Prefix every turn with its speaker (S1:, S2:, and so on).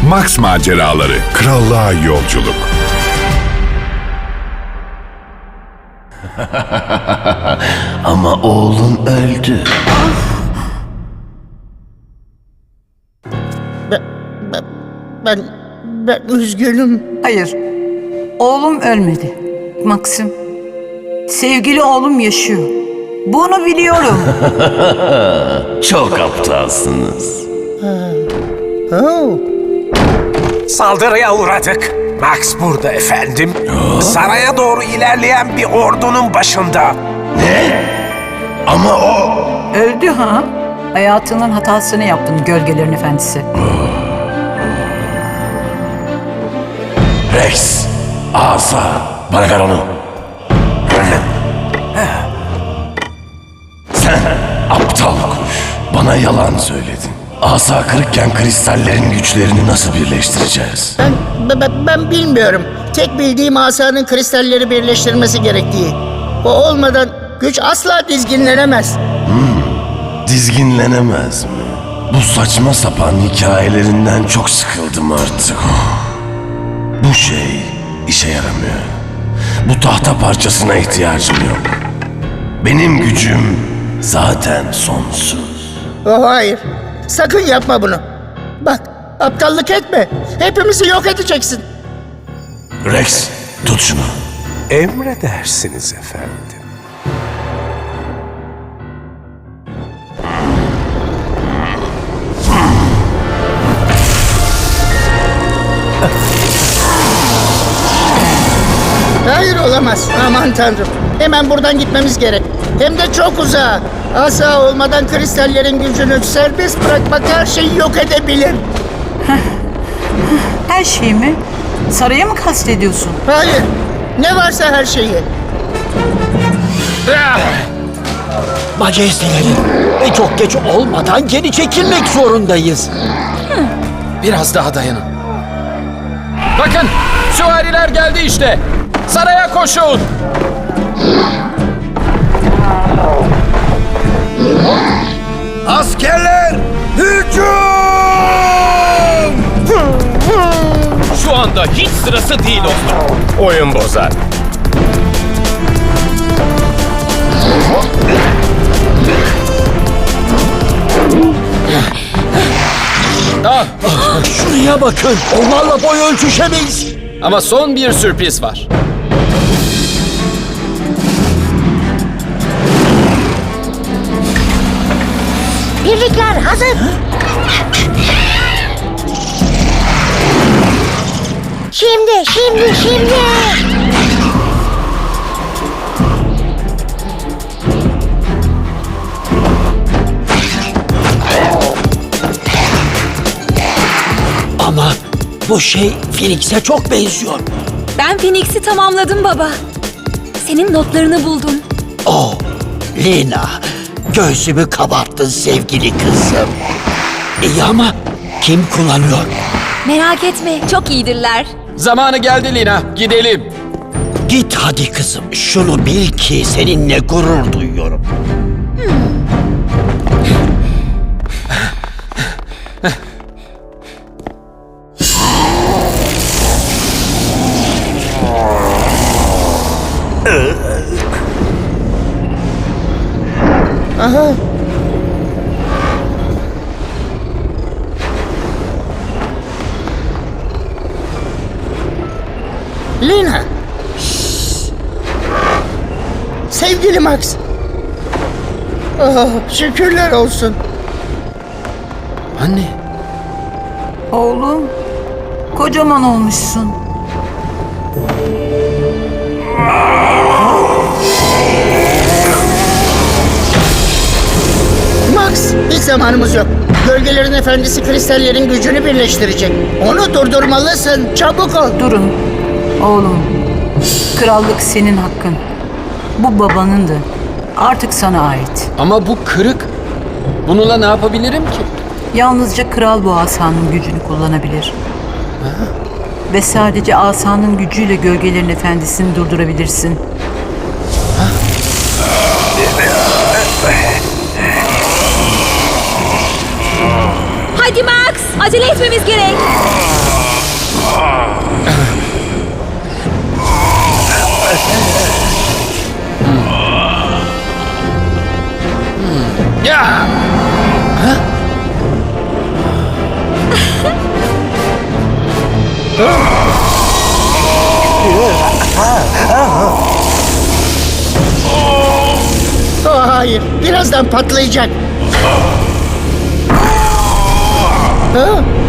S1: Max Maceraları, Krallığa Yolculuk.
S2: Ama oğlun öldü.
S3: Ben üzgünüm.
S4: Hayır, oğlum ölmedi. Maxim, sevgili oğlum yaşıyor. Bunu biliyorum.
S2: Çok aptalsınız.
S3: Oh.
S5: Saldırıya uğradık. Max burada efendim. Saraya doğru ilerleyen bir ordunun başında.
S2: Ama o...
S4: Öldü ha? Hayatının hatasını yaptın Gölgelerin Efendisi.
S2: Rex, asa. Bana ver onu. Önüne. Sen aptal kuş. Bana yalan söyledin. Asa kırıkken kristallerin güçlerini nasıl birleştireceğiz?
S3: Ben bilmiyorum. Tek bildiğim asanın kristalleri birleştirmesi gerektiği. O olmadan güç asla dizginlenemez.
S2: Dizginlenemez mi? Bu saçma sapan hikayelerinden çok sıkıldım artık. Bu şey işe yaramıyor. Bu tahta parçasına ihtiyacım yok. Benim gücüm zaten sonsuz.
S3: Oh, hayır. Sakın yapma bunu. Bak, aptallık etme. Hepimizi yok edeceksin.
S2: Rex, tut şunu.
S5: Emredersiniz efendim.
S3: Hayır, olamaz. Aman tanrım. Hemen buradan gitmemiz gerek. Hem de çok uzağa. Asa olmadan kristallerin gücünü serbest bırakmak her şeyi yok edebilir.
S4: Her şey mi? Saraya mı kastediyorsun?
S3: Hayır. Ne varsa her şeyi.
S6: Majesteleri, çok geç olmadan geri çekilmek zorundayız.
S7: Biraz daha dayanın. Bakın, süvariler geldi işte. Saraya koşun.
S5: Askerler, hücum!
S7: Şu anda hiç sırası değil dostum.
S5: Oyun bozar.
S7: Ah,
S6: Şuraya bakın, onlarla boy ölçüşemeyiz.
S7: ama son bir sürpriz var.
S8: Birlikler hazır. Şimdi.
S6: Ama bu şey Phoenix'e çok benziyor.
S9: Ben Phoenix'i tamamladım baba. Senin notlarını buldum.
S6: Oh, Lina, göğsümü kabarttın sevgili kızım. İyi ama kim kullanıyor?
S9: Merak etme, çok iyidirler.
S7: Zamanı geldi Lina, gidelim.
S6: Git hadi kızım, şunu bil ki seninle gurur duyuyorum.
S3: Aha. Lina. Sevgili Max. Oh, şükürler olsun.
S7: Anne,
S4: Oğlum, kocaman olmuşsun.
S3: Max, hiç zamanımız yok. Gölgelerin Efendisi kristallerin gücünü birleştirecek. Onu durdurmalısın. Çabuk ol.
S4: Durun. Oğlum, krallık senin hakkın. Bu babanındı. Artık sana ait.
S7: ama bu kırık. Bununla ne yapabilirim ki?
S4: Yalnızca kral bu asanın gücünü kullanabilir. Ve sadece asanın gücüyle Gölgelerin Efendisi'ni durdurabilirsin.
S9: Hadi Max, acele etmemiz gerek.
S3: Ya! Oh, hayır, birazdan patlayacak. Ha?